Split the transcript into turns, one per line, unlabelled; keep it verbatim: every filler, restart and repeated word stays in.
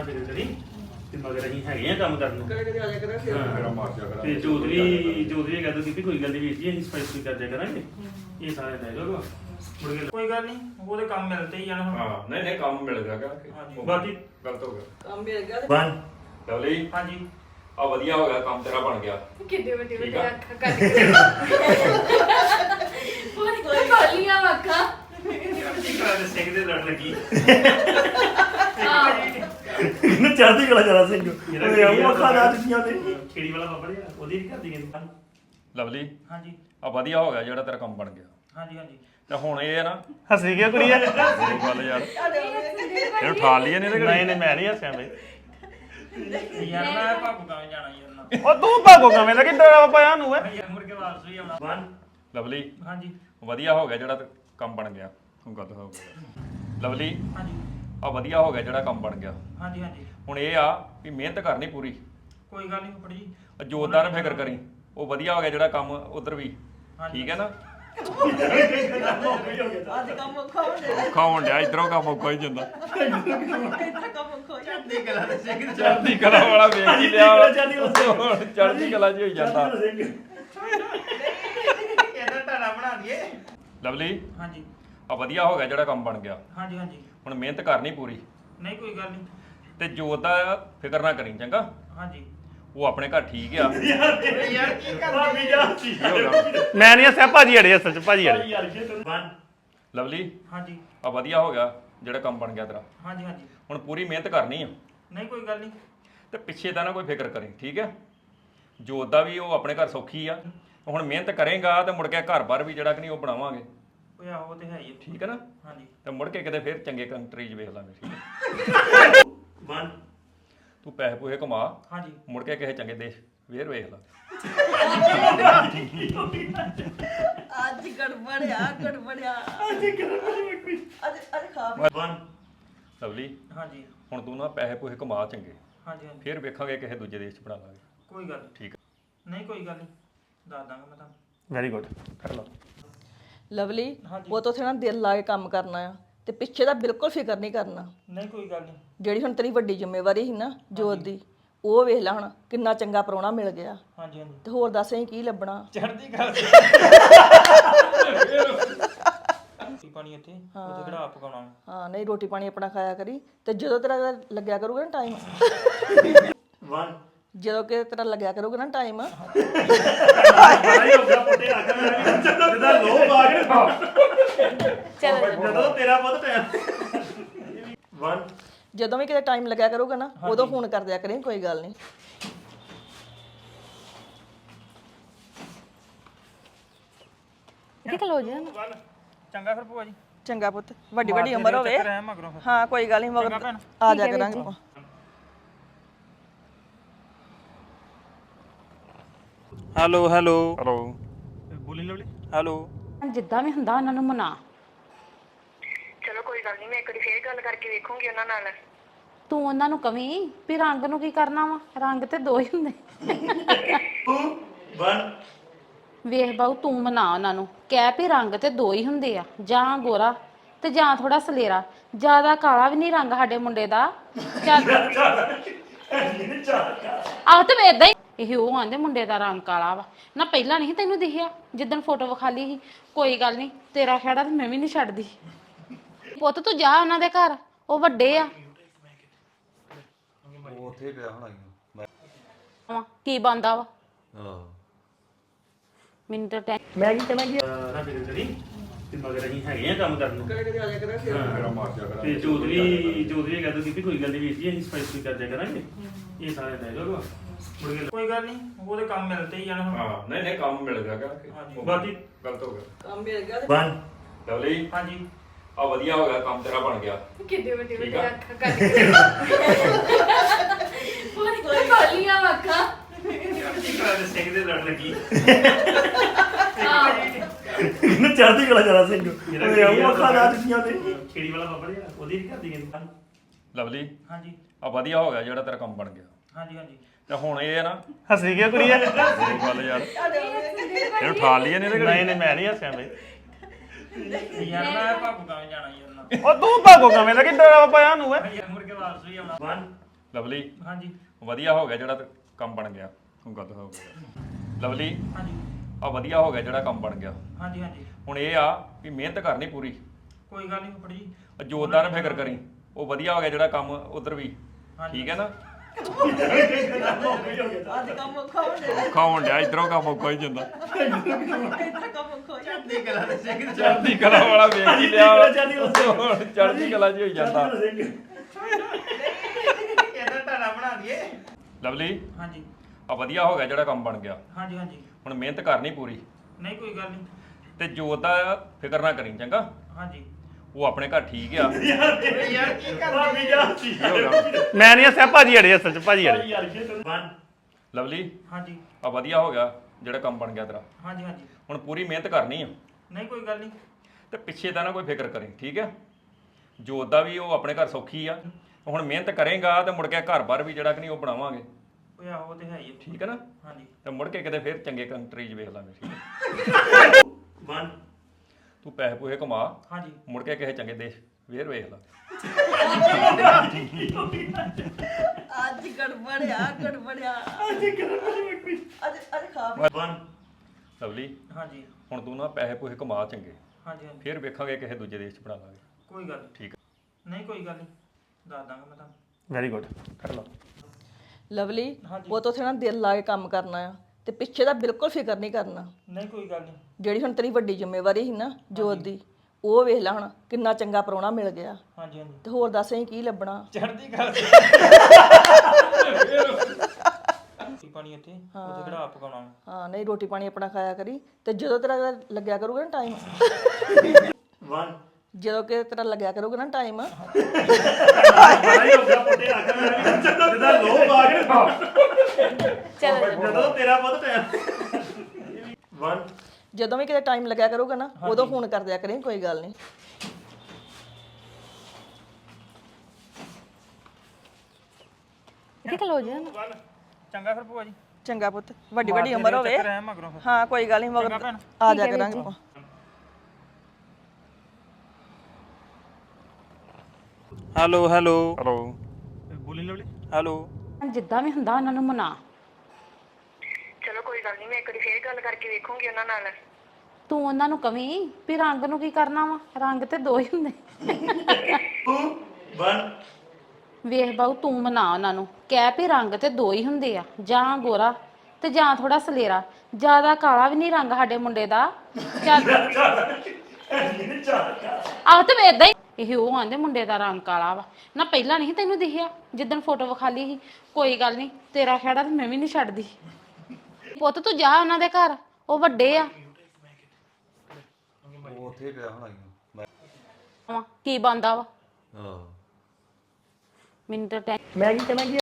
ਨਾ ਫਿਕਰ ਕਰੀ ਤੇ ਮਗਰ ਅਸੀਂ ਹੈਗੇ ਆ ਕੰਮ ਕਰਨ ਨੂੰ
ਕਦੇ ਕਦੇ ਆ ਜਾ ਕਰਾਂ ਫਿਰ
ਮੇਰਾ ਮਾਰ ਜਾ ਕਰਾਂ
ਤੇ ਜੋਦਰੀ ਜੋਦਰੀ ਕਹਿੰਦਾ ਕਿ ਕੋਈ ਗੱਲ ਨਹੀਂ ਵੀਰ ਜੀ ਅਸੀਂ ਸਪੈਸ਼ਲ ਕਰ ਦਿਆ ਕਰਾਂਗੇ ਇਹ ਸਾਰੇ ਲੈ ਜਾਓ ਮੁੜ ਕੇ ਕੋਈ ਗੱਲ ਨਹੀਂ ਉਹਦੇ ਕੰਮ ਮਿਲਦੇ ਹੀ ਜਾਣਾ ਹੁਣ
ਹਾਂ ਨਹੀਂ ਨਹੀਂ ਕੰਮ ਮਿਲ ਗਿਆ
ਹਾਂਜੀ ਬਾਕੀ
ਗਲਤ ਹੋ ਗਿਆ
ਕੰਮ ਮਿਲ ਗਿਆ ਤੇ
ਵਨ
ਲਵਲੀ
ਹਾਂਜੀ
ਆ ਵਧੀਆ ਹੋ ਗਿਆ ਕੰਮ ਤੇਰਾ ਬਣ ਗਿਆ
ਕਿੱਡੇ ਵੱਡੇ
ਠੀਕ
ਵੱਡੇ
ਆ।
ਅੱਖਾਂ ਕੱਢ ਕੇ ਪੂਰੀ ਖੋਲੀਆਂ ਅੱਖਾਂ
ਚੜ੍ਹਦੀ ਕਲਾ ਦੇ ਸਿੰਘ ਦੇ ਲੜ ਲੱਗੀ
ਆਹ
ਇਹਨੂੰ ਚੜ੍ਹਦੀ ਕਲਾ ਜਰਾ ਸਿੰਘ ਓਏ ਉਹ ਅੱਖਾਂ ਜਾ ਚੁੱਕੀਆਂ ਨੇ
ਖੇੜੀ ਵਾਲਾ ਬਾਬਾ ਜੀ ਉਹਦੀ ਵੀ ਕਰਦੀ ਕਹਿੰਦੇ
ਲਵਲੀ
ਹਾਂਜੀ
ਆ ਵਧੀਆ ਹੋ ਗਿਆ ਜਿਹੜਾ ਤੇਰਾ ਕੰਮ ਬਣ ਗਿਆ
ਹਾਂਜੀ ਹਾਂਜੀ
ਤੇ ਹੁਣ ਇਹ ਹੈ ਨਾ
ਹੱਸੀ ਕਿਉਂ ਕੁੜੀ ਐ
ਇਹ ਗੱਲ ਯਾਰ ਇਹਨੂੰ ਠਾ ਲਈਏ ਨਹੀਂ ਤੇ
ਨਹੀਂ ਨਹੀਂ ਮੈਂ ਨਹੀਂ ਹੱਸਿਆ ਬਈ
ਯਾਰ ਮੈਂ ਭਾਪੂ ਗਾਵੇਂ ਜਾਣਾ ਯਾਰ ਨਾ
ਉਹ ਤੂੰ ਭਾਗੋ ਕਵੇਂ ਦਾ ਕਿੱਦਾਂ ਪਾਇਆ ਨੂੰ ਐ
ਯਾਰ ਮੁੜ ਕੇ ਵਾਪਸ ਵੀ ਆਉਣਾ ਵਨ
ਲਵਲੀ
ਹਾਂਜੀ
ਵਧੀਆ ਹੋ ਗਿਆ ਜਿਹੜਾ ਤੇ ਕੰਮ ਬਣ ਗਿਆ ਹੁਣ ਗੱਲ ਹੋ ਗਈ ਲਵਲੀ
ਹਾਂਜੀ
ਆ ਵਧੀਆ ਹੋ ਗਿਆ ਜਿਹੜਾ ਕੰਮ ਬਣ ਗਿਆ
ਹਾਂਜੀ ਹਾਂਜੀ
ਹੁਣ ਇਹ ਆ ਵੀ ਮਿਹਨਤ ਕਰਨੀ ਪੂਰੀ
ਕੋਈ ਗੱਲ ਨਹੀਂ ਫੁੱਫੜ ਜੀ
ਜੋਰਦਾਰ ਨਾ ਫਿਕਰ ਕਰੀ ਉਹ ਵਧੀਆ ਹੋ ਗਿਆ ਜਿਹੜਾ ਕੰਮ ਉਧਰ ਵੀ ਠੀਕ ਹੈ ਨਾ
ਅੱਜ ਕੰਮ ਔਖਾ ਹੋ ਜਾਣਾ
ਔਖਾ ਹੋਣ ਡਿਆ ਇਧਰੋਂ ਕੰਮ ਔਖਾ ਹੀ ਜਾਂਦਾ
ਇੱਧਰ ਕੰਮ ਔਖਾ ਹੋ ਜਾਣਾ
ਚੜ੍ਹਦੀ ਕਲਾ ਦੇ ਸਿੰਘ
ਚੜ੍ਹਦੀ ਕਲਾ ਵਾਲਾ ਵੇਖ ਹੀ ਲਿਆ ਵਾ। ਹੁਣ ਚੜ੍ਹਦੀ ਕਲਾ ਜੀ ਹੋਈ ਜਾਂਦਾ
ਇਹਦਾ ਟਾਣਾ ਬਣਾ ਦਈਏ
ਲਵਲੀ
ਹਾਂਜੀ
ਆ ਵਧੀਆ ਹੋ ਗਿਆ ਜਿਹੜਾ ਕੰਮ ਬਣ ਗਿਆ
ਹਾਂਜੀ ਹਾਂਜੀ
ਹੁਣ ਮਿਹਨਤ ਕਰਨੀ ਪੂਰੀ
ਨਹੀਂ ਕੋਈ ਗੱਲ ਨਹੀਂ
ਤੇ ਜੋਤ ਦਾ ਫਿਕਰ ਨਾ ਕਰੀ ਚੰਗਾ
ਹਾਂਜੀ
ਉਹ ਆਪਣੇ ਘਰ ਠੀਕ ਆ
ਯਾਰ ਕੀ ਕਰਦੀ ਯਾਰ
ਕੀ ਹੋ ਗਿਆ
ਮੈਂ ਨਹੀਂ ਹੱਸਿਆ ਭਾਜੀ ਅੜੇ ਅਸਲ ਚ ਭਾਜੀ ਅੜੇ
ਵਨ
ਲਵਲੀ
ਹਾਂਜੀ
ਆ ਵਧੀਆ ਹੋ ਗਿਆ ਜਿਹੜਾ ਕੰਮ ਬਣ ਗਿਆ ਤੇਰਾ
ਹਾਂਜੀ ਹਾਂਜੀ
ਹੁਣ ਪੂਰੀ ਮਿਹਨਤ ਕਰਨੀ ਆ
ਨਹੀਂ ਕੋਈ ਗੱਲ ਨਹੀਂ
ਤੇ ਪਿੱਛੇ ਦਾ ਨਾ ਕੋਈ ਫਿਕਰ ਕਰੀ ਠੀਕ ਹੈ ਜੋਤ ਦਾ ਵੀ ਉਹ ਆਪਣੇ ਘਰ ਸੌਖੀ ਆ ਹੁਣ ਮਿਹਨਤ ਕਰੇਗਾ ਤੇ ਮੁੜ ਕੇ ਘਰ-ਬਾਰ ਵੀ ਜਿਹੜਾ ਕਿ ਨਹੀਂ ਉਹ ਬਣਾਵਾਂਗੇ
ਓਏ ਆਹੋ ਤੇ ਹੈ ਹੀ ਆ।
ਠੀਕ ਹੈ ਨਾ
ਹਾਂਜੀ
ਤੇ ਮੁੜ ਕੇ ਕਿਤੇ ਫਿਰ ਚੰਗੇ ਕੰਟਰੀ 'ਚ ਵੇਖ ਲਾਂਗੇ ਠੀਕ ਹੈ
ਵਨ
ਤੂੰ ਪੈਸੇ ਪੂਸੇ ਕਮਾ
ਹਾਂਜੀ
ਮੁੜ ਕੇ ਕਿਸੇ ਚੰਗੇ ਦੇਸ਼ ਫੇਰ ਵੇਖ ਲਾ
ਅੱਜ ਗੜਬੜਿਆ ਗੜਬੜਿਆ ਅੱਜ ਅੱਜ ਅੱਜ ਖਾ
ਵਨ
ਲਵਲੀ
ਹਾਂਜੀ
ਹੁਣ ਤੂੰ ਨਾ ਪੈਸੇ ਪੂਸੇ ਕਮਾ ਚੰਗੇ
ਹਾਂਜੀ ਹਾਂਜੀ
ਫਿਰ ਵੇਖਾਂਗੇ ਕਿਸੇ ਦੂਜੇ ਦੇਸ਼ 'ਚ ਬਣਾ ਲਾਂਗੇ
ਕੋਈ ਗੱਲ ਨੀ।
ਠੀਕ ਹੈ
ਨਹੀਂ ਕੋਈ ਗੱਲ ਨਹੀਂ ਦੱਸ ਦਾਂਗਾ ਮੈਂ ਤੁਹਾਨੂੰ
ਵੈਰੀ ਗੁੱਡ ਕਰ ਲਓ
ਲਵਲੀ
ਹਾਂਜੀ।
ਉਹ ਤੋਂ ਨਾ ਦਿਲ ਲਾ ਕੇ ਕੰਮ ਕਰਨਾ ਆ ਤੇ ਪਿੱਛੇ ਦਾ ਬਿਲਕੁਲ ਫਿਕਰ ਨਹੀਂ ਕਰਨਾ
ਨਹੀਂ ਕੋਈ ਗੱਲ ਨਹੀਂ
ਜਿਹੜੀ ਹੁਣ ਤੇਰੀ ਵੱਡੀ ਜ਼ਿੰਮੇਵਾਰੀ ਸੀ ਨਾ ਜੋਤ ਦੀ ਉਹ ਵੇਖ ਲੈ ਹੁਣ ਕਿੰਨਾ ਚੰਗਾ ਪ੍ਰਾਹੁਣਾ ਮਿਲ ਗਿਆ
ਹਾਂਜੀ ਹਾਂਜੀ
ਤੇ ਹੋਰ ਦੱਸ ਅਸੀਂ ਕੀ ਲੱਭਣਾ
ਚੜ੍ਹਦੀ ਕਲਾ ਦੇ ਰੋਟੀ ਪਾਣੀ ਇੱਥੇ ਉੱਥੇ ਕਿਹੜਾ ਆਪ ਪਕਾਉਣਾ
ਹਾਂ ਨਹੀਂ ਰੋਟੀ ਪਾਣੀ ਆਪਣਾ ਖਾਇਆ ਕਰੀ ਤੇ ਜਦੋਂ ਤੇਰਾ ਲੱਗਿਆ ਕਰੂਗਾ ਨਾ ਟਾਈਮ
ਵਨ
ਜਦੋਂ ਕਿ ਤੇਰਾ ਲੱਗਿਆ ਕਰੂਗਾ ਨਾ ਟਾਈਮ
ਬੜਾ ਹੀ ਹੋ ਗਿਆ ਪੁੱਟੇ ਆਖਰ ਜਿਹਦਾ ਲੋਭ ਆ ਗਿਆ
ਚਲੋ
ਜਦੋਂ ਤੇਰਾ ਬਹੁਤ ਟਾਈਮ
ਵਨ
ਜਦੋਂ ਵੀ ਕਿਤੇ ਟਾਈਮ ਲੱਗਿਆ ਕਰੂਗਾ ਨਾ ਉਦੋਂ ਫੋਨ ਕਰ ਦਿਆ ਕਰੀ ਕੋਈ ਗੱਲ ਨਹੀਂ
ਇੱਥੇ ਖਲੋ ਜਾ
ਵਨ ਚੰਗਾ ਫਿਰ ਭੂਆ ਜੀ
ਚੰਗਾ ਪੁੱਤ ਵੱਡੀ ਵੱਡੀ ਉਮਰ ਹੋਵੇ
ਚੱਕਰ ਹੈ ਮਗਰੋਂ ਫਿਰ
ਹਾਂ ਕੋਈ ਗੱਲ ਨਹੀਂ ਮਗਰ ਆ ਜਾ ਕਰਾਂਗੇ ਆਪਾਂ।
ਹੈਲੋ ਹੈਲੋ
ਹਲੋ
ਬੋਲੀ ਲਵਲੀ ਹੈਲੋ
ਜਿੱਦਾਂ ਵੀ ਹੁੰਦਾ ਉਹਨਾਂ ਨੂੰ ਮਨਾ
ਚਲੋ ਕੋਈ ਗੱਲ ਨਹੀਂ ਮੈਂ ਇੱਕ ਵਾਰੀ ਫੇਰ ਗੱਲ ਕਰਕੇ ਵੇਖੂੰਗੀ ਉਹਨਾਂ ਨਾਲ
ਤੂੰ ਉਹਨਾਂ ਨੂੰ ਕਵੀਂ ਵੀ ਰੰਗ ਨੂੰ ਕੀ ਕਰਨਾ ਵਾ ਰੰਗ ਤੇ ਦੋ ਹੀ ਹੁੰਦੇ
ਵਨ
ਵੇਖ ਬਾਊ ਤੂੰ ਮਨਾ ਉਹਨਾਂ ਨੂੰ ਕਹਿ ਵੀ ਰੰਗ ਤੇ ਦੋ ਹੀ ਹੁੰਦੇ ਆ ਜਾਂ ਗੋਰਾ ਤੇ ਜਾਂ ਥੋੜਾ ਸਲੇਰਾ ਜ਼ਿਆਦਾ ਕਾਲਾ ਵੀ ਨਹੀਂ ਰੰਗ ਸਾਡੇ ਮੁੰਡੇ ਦਾ ਚੱਲ ਆਹ ਤੇ ਮੈਂ ਏਦਾਂ ਹੀ ਇਹ ਉਹ ਆਂਦੇ ਮੁੰਡੇ ਦਾ ਰੰਗ ਕਾਲਾ ਵਾ ਨਾ ਪਹਿਲਾਂ ਨਹੀਂ ਤੈਨੂੰ ਦਿਖਿਆ ਜਿੱਦਣ ਫੋਟੋ ਵਿਖਾਲੀ ਸੀ ਕੋਈ ਗੱਲ ਨਹੀਂ ਤੇਰਾ ਖਹਿੜਾ ਤੇ ਮੈਂ ਵੀ ਨਹੀਂ ਛੱਡਦੀ ਪੁੱਤ ਤੂੰ ਜਾ ਉਹਨਾਂ ਦੇ ਘਰ ਉਹ ਵੱਡੇ ਆ
ਉਹ ਉੱਥੇ ਪਿਆ ਹੋਣਾ ਹੀ
ਵਾ, ਕੀ ਬੰਦਾ ਵਾ
ਹਾਂ
ਮੈਨੂੰ ਤਾਂ ਟੈਂ-
ਮੈਂ ਕੀ ਕਹਿਣਾ ਕੀ
ਨਾ ਫਿਕਰ ਕਰੀ ਤੇ ਮਗਰ ਅਸੀਂ ਹੈਗੇ ਆ ਕੰਮ ਕਰਨ ਨੂੰ
ਕਦੇ ਕਦੇ ਆ ਜਾ ਕਰਾਂ ਫਿਰ
ਮੇਰਾ ਮਾਰ ਜਾ ਕਰਾਂ
ਤੇ ਜੋਦਰੀ ਜੋਦਰੀ ਕਹਿੰਦਾ ਕਿ ਕੋਈ ਗੱਲ ਨਹੀਂ ਵੀਰ ਜੀ ਅਸੀਂ ਸਪੈਸ਼ਲ ਕਰ ਦਿਆ ਕਰਾਂਗੇ ਇਹ ਸਾਰੇ ਲੈ ਜਾਓ ਮੁੜ ਕੇ ਕੋਈ ਗੱਲ ਨਹੀਂ ਉਹਦੇ ਕੰਮ ਮਿਲਦੇ ਹੀ ਜਾਣਾ ਹੁਣ
ਹਾਂ ਨਹੀਂ ਨਹੀਂ ਕੰਮ ਮਿਲ ਗਿਆ
ਹਾਂਜੀ
ਕਿ
ਬਾਕੀ
ਗਲਤ ਹੋ ਗਿਆ
ਕੰਮ ਮਿਲ ਗਿਆ ਤੇ
ਵਨ
ਲਵਲੀ
ਹਾਂਜੀ
ਆ ਵਧੀਆ ਹੋ ਗਿਆ ਕੰਮ ਤੇਰਾ ਬਣ ਗਿਆ
ਕਿੱਡੇ ਵੱਡੇ
ਠੀਕ
ਵੱਡੇ
ਆ।
ਅੱਖਾਂ ਕੱਢ ਕੇ ਪੂਰੀ ਖੋਲੀਆਂ ਅੱਖਾਂ
ਚੜ੍ਹਦੀ ਕਲਾ ਦੇ ਸਿੰਘ ਦੇ ਲੜ ਲੱਗੀ
ਆਹ
ਇਹਨੂੰ ਚੜ੍ਹਦੀ ਕਲਾ ਜਰਾ ਸਿੰਘ ਓਏ ਉਹ ਅੱਖਾਂ ਜਾ ਚੁੱਕੀਆਂ ਨੇ
ਖੇੜੀ ਵਾਲਾ ਬਾਬਾ ਜੀ ਉਹਦੀ ਵੀ ਕਰਦੀ ਕਹਿੰਦੇ
ਲਵਲੀ
ਹਾਂਜੀ
ਆ ਵਧੀਆ ਹੋ ਗਿਆ ਜਿਹੜਾ ਤੇਰਾ ਕੰਮ ਬਣ ਗਿਆ
ਹਾਂਜੀ ਹਾਂਜੀ
ਤੇ ਹੁਣ ਇਹ ਹੈ ਨਾ
ਹੱਸੀ ਕਿਉਂ ਕੁੜੀ ਐ
ਇਹ ਗੱਲ ਯਾਰ ਇਹਨੂੰ ਠਾ ਲਈਏ ਨਹੀਂ ਤੇ
ਨਹੀਂ ਨਹੀਂ ਮੈਂ ਨਹੀਂ ਹੱਸਿਆ ਬਈ
ਯਾਰ ਮੈਂ ਭਾਪੂ ਗਾਵੇਂ ਜਾਣਾ ਯਾਰ ਨਾ
ਉਹ ਤੂੰ ਭਾਗੋ ਕਵੇਂ ਦਾ ਕਿੱਦਾਂ ਪਾਇਆ ਨੂੰ ਐ
ਯਾਰ ਮੁੜ ਕੇ ਵਾਪਸ ਵੀ ਆਉਣਾ ਵਨ
ਲਵਲੀ
ਹਾਂਜੀ
ਵਧੀਆ ਹੋ ਗਿਆ ਜਿਹੜਾ ਤੇ ਕੰਮ ਬਣ ਗਿਆ ਹੁਣ ਗੱਲ ਹੋ ਗਿਆ ਲਵਲੀ
ਹਾਂਜੀ
ਆ ਵਧੀਆ ਹੋ ਗਿਆ ਜਿਹੜਾ ਕੰਮ ਬਣ ਗਿਆ
ਹਾਂਜੀ ਹਾਂਜੀ
ਹੁਣ ਇਹ ਆ ਵੀ ਮਿਹਨਤ ਕਰਨੀ ਪੂਰੀ
ਕੋਈ ਗੱਲ ਨਹੀਂ ਫੁੱਫੜ ਜੀ
ਜੋਰਦਾਰ ਨਾ ਫਿਕਰ ਕਰੀ ਉਹ ਵਧੀਆ ਹੋ ਗਿਆ ਜਿਹੜਾ ਕੰਮ ਉਧਰ ਵੀ ਠੀਕ ਹੈ ਨਾ
ਅੱਜ ਕੰਮ ਔਖਾ ਹੋ ਜਾਣਾ
ਔਖਾ ਹੋਣ ਡਿਆ ਇਧਰੋਂ ਕੰਮ ਔਖਾ ਹੀ ਜਾਂਦਾ
ਇੱਧਰ ਕੰਮ ਔਖਾ ਹੋ ਜਾਣਾ
ਚੜ੍ਹਦੀ ਕਲਾ ਵਾਲਾ ਵੇਖ ਹੀ ਲਿਆ ਵਾ। ਹੁਣ ਚੜ੍ਹਦੀ ਕਲਾ ਜੀ ਹੋਈ ਜਾਂਦਾ
ਇਹਦਾ ਢਾਣਾ ਬਣਾ ਦਈਏ
ਲਵਲੀ
ਹਾਂਜੀ
ਆ ਵਧੀਆ ਹੋ ਗਿਆ ਜਿਹੜਾ ਕੰਮ ਬਣ ਗਿਆ
ਹਾਂਜੀ ਹਾਂਜੀ
ਹੁਣ ਮਿਹਨਤ ਕਰਨੀ ਪੂਰੀ
ਨਹੀਂ ਕੋਈ ਗੱਲ ਨਹੀਂ
ਤੇ ਜੋਤ ਦਾ ਫਿਕਰ ਨਾ ਕਰੀ ਚੰਗਾ
ਹਾਂਜੀ
ਉਹ ਆਪਣੇ ਘਰ ਠੀਕ ਆ
ਯਾਰ ਕੀ ਕਰਦੀ ਯਾਰ
ਕੀ ਹੋ ਗਿਆ?
ਮੈਂ ਨਹੀਂ ਹੱਸਿਆ ਭਾਜੀ ਅੜੇ ਅਸਲ ਚ ਭਾਜੀ ਅੜੇ
ਯਾਰ ਕੀ ਵਨ
ਲਵਲੀ
ਹਾਂਜੀ
ਆ ਵਧੀਆ ਹੋ ਗਿਆ ਜਿਹੜਾ ਕੰਮ ਬਣ ਗਿਆ ਤੇਰਾ
ਹਾਂਜੀ ਹਾਂਜੀ
ਹੁਣ ਪੂਰੀ ਮਿਹਨਤ ਕਰਨੀ ਆ
ਨਹੀਂ ਕੋਈ ਗੱਲ ਨਹੀਂ
ਤੇ ਪਿੱਛੇ ਦਾ ਨਾ ਕੋਈ ਫਿਕਰ ਕਰੀ ਠੀਕ ਹੈ ਜੋਤ ਦਾ ਵੀ ਉਹ ਆਪਣੇ ਘਰ ਸੌਖੀ ਆ ਹੁਣ ਮਿਹਨਤ ਕਰੇਗਾ ਤੇ ਮੁੜ ਕੇ ਘਰ-ਬਾਰ ਵੀ ਜਿਹੜਾ ਕਿ ਨਹੀਂ ਉਹ ਬਣਾਵਾਂਗੇ
ਓਏ ਆਹੋ ਉਹ ਤੇ ਹੈ ਹੀ ਆ।
ਠੀਕ ਹੈ ਨਾ
ਹਾਂਜੀ
ਤੇ ਮੁੜ ਕੇ ਕਿਤੇ ਫਿਰ ਚੰਗੇ ਕੰਟਰੀ 'ਚ ਵੇਖ ਲਾਂਗੇ ਠੀਕ ਹੈ
ਵਨ
ਤੂੰ ਪੈਸੇ ਪੂਹੇ ਕਮਾ
ਹਾਂਜੀ
ਮੁੜ ਕੇ ਕਿਸੇ ਚੰਗੇ ਦੇਸ਼ ਫੇਰ ਵੇਖ ਲਾ
ਅੱਜ ਗੜਬੜਿਆ ਗੜਬੜਿਆ ਅੱਜ ਅੱਜ ਅੱਜ ਖਾ
ਵਨ
ਲਵਲੀ
ਹਾਂਜੀ
ਹੁਣ ਤੂੰ ਨਾ ਪੈਸੇ ਪੂਹੇ ਕਮਾ ਚੰਗੇ
ਹਾਂਜੀ ਹਾਂਜੀ
ਫਿਰ ਵੇਖਾਂਗੇ ਕਿਸੇ ਦੂਜੇ ਦੇਸ਼ 'ਚ ਬਣਾ ਲਾਂਗੇ
ਕੋਈ ਗੱਲ ਨੀ।
ਠੀਕ
ਨਹੀਂ ਕੋਈ ਗੱਲ ਨਹੀਂ ਦੱਸ ਦਾਂਗਾ ਮੈਂ ਤੁਹਾਨੂੰ
ਵੈਰੀ ਗੁੱਡ ਕਰ ਲਓ
ਲਵਲੀ ਉਹ ਤੋਂ ਨਾ ਦਿਲ ਲਾ ਕੇ ਕੰਮ ਕਰਨਾ ਆ ਤੇ ਪਿੱਛੇ ਦਾ ਬਿਲਕੁਲ ਫਿਕਰ ਨਹੀਂ ਕਰਨਾ
ਨਹੀਂ ਕੋਈ ਗੱਲ ਨਹੀਂ
ਜਿਹੜੀ ਹੁਣ ਤੇਰੀ ਵੱਡੀ ਜ਼ਿੰਮੇਵਾਰੀ ਸੀ ਨਾ ਜੋਤ ਦੀ ਉਹ ਵੇਖ ਲੈ ਹੁਣ ਕਿੰਨਾ ਚੰਗਾ ਪ੍ਰਾਹੁਣਾ ਮਿਲ ਗਿਆ
ਹਾਂਜੀ ਹਾਂਜੀ
ਤੇ ਹੋਰ ਦੱਸ ਅਸੀਂ ਕੀ ਲੱਭਣਾ
ਚੜ੍ਹਦੀ ਕਲਾ ਰੋਟੀ ਪਾਣੀ ਇੱਥੇ ਉੱਥੇ ਕਿਹੜਾ ਆਪ ਪਕਾਉਣਾ
ਹਾਂ ਨਹੀਂ ਰੋਟੀ ਪਾਣੀ ਆਪਣਾ ਖਾਇਆ ਕਰੀ ਤੇ ਜਦੋਂ ਤੇਰਾ ਲੱਗਿਆ ਕਰੂਗਾ ਨਾ ਟਾਈਮ
ਵਨ
ਜਦੋਂ ਕਿ ਤੇਰਾ ਲੱਗਿਆ ਕਰੂਗਾ ਨਾ ਟਾਈਮ
ਬੜਾ ਹੀ ਹੋ ਗਿਆ ਪੁੱਟੇ ਆਖਰ ਮੈਂ ਜਿਹਦਾ ਲੋਭ ਆ ਗਿਆ
ਚਲੋ
ਜਦੋਂ ਤੇਰਾ ਬਹੁਤ ਟਾਈਮ ਵਨ
ਜਦੋਂ ਵੀ ਕਿਤੇ ਟਾਈਮ ਲੱਗਿਆ ਕਰੂਗਾ ਨਾ ਉਦੋਂ ਫੋਨ ਕਰ ਦਿਆ ਕਰੀ ਕੋਈ ਗੱਲ ਨਹੀਂ
ਇੱਥੇ ਖਲੋ ਜਾ
ਵਨ ਚੰਗਾ ਫਿਰ ਭੂਆ ਜੀ
ਚੰਗਾ ਪੁੱਤ ਵੱਡੀ ਵੱਡੀ ਉਮਰ ਹੋਵੇ
ਚੱਕਰ ਹੈ ਮਗਰੋਂ ਫਿਰ
ਹਾਂ ਕੋਈ ਗੱਲ ਨਹੀਂ ਮਗਰ ਆ ਜਾ ਕਰਾਂਗੇ ਆਪਾਂ
ਹੈਲੋ ਹੈਲੋ
ਹਲੋ
ਬੋਲੀ ਲਵਲੀ ਹੈਲੋ
ਜਿੱਦਾਂ ਵੀ ਹੁੰਦਾ ਉਹਨਾਂ ਨੂੰ ਮਨਾ
ਚਲੋ ਕੋਈ ਗੱਲ ਨਹੀਂ ਮੈਂ ਇੱਕ ਵਾਰੀ ਫੇਰ ਗੱਲ ਕਰਕੇ ਵੇਖੂੰਗੀ ਉਹਨਾਂ ਨਾਲ
ਤੂੰ ਉਹਨਾਂ ਨੂੰ ਕਵੀਂ ਵੀ ਰੰਗ ਨੂੰ ਕੀ ਕਰਨਾ ਵਾ ਰੰਗ ਤੇ ਦੋ ਹੀ ਹੁੰਦੇ
ਵਨ
ਵੇਖ ਬਾਊ ਤੂੰ ਮਨਾ ਉਹਨਾਂ ਨੂੰ ਕਹਿ ਵੀ ਰੰਗ ਤੇ ਦੋ ਹੀ ਹੁੰਦੇ ਆ ਜਾਂ ਗੋਰਾ ਤੇ ਜਾਂ ਥੋੜਾ ਸਲੇਰਾ ਜ਼ਿਆਦਾ ਕਾਲਾ ਵੀ ਨਹੀਂ ਰੰਗ ਸਾਡੇ ਮੁੰਡੇ ਦਾ ਚੱਲ ਆਹ ਤੇ ਏਦਾਂ ਹੀ ਇਹ ਉਹ ਆਂਦੇ ਮੁੰਡੇ ਦਾ ਰੰਗ ਕਾਲਾ ਵਾ ਨਾ ਪਹਿਲਾਂ ਨਹੀਂ ਤੈਨੂੰ ਦਿਖਿਆ ਜਿੱਦਣ ਫੋਟੋ ਵਿਖਾਲੀ ਸੀ ਕੋਈ ਗੱਲ ਨਹੀਂ ਤੇਰਾ ਖਹਿੜਾ ਤੇ ਮੈਂ ਵੀ ਨਹੀਂ ਛੱਡਦੀ ਪੁੱਤ ਤੂੰ ਜਾ ਉਹਨਾਂ ਦੇ ਘਰ ਉਹ ਵੱਡੇ ਆ
ਉਹ ਉੱਥੇ ਹੀ ਪਿਆ ਹੋਣਾ ਈ ਓ। ਮੈਂ
ਕੀ ਬੰਦਾ ਵਾ
ਹਾਂ
ਮੈਨੂੰ ਤਾਂ ਟੈਂ-
ਮੈਂ ਕੀ ਕਹਿਣਾ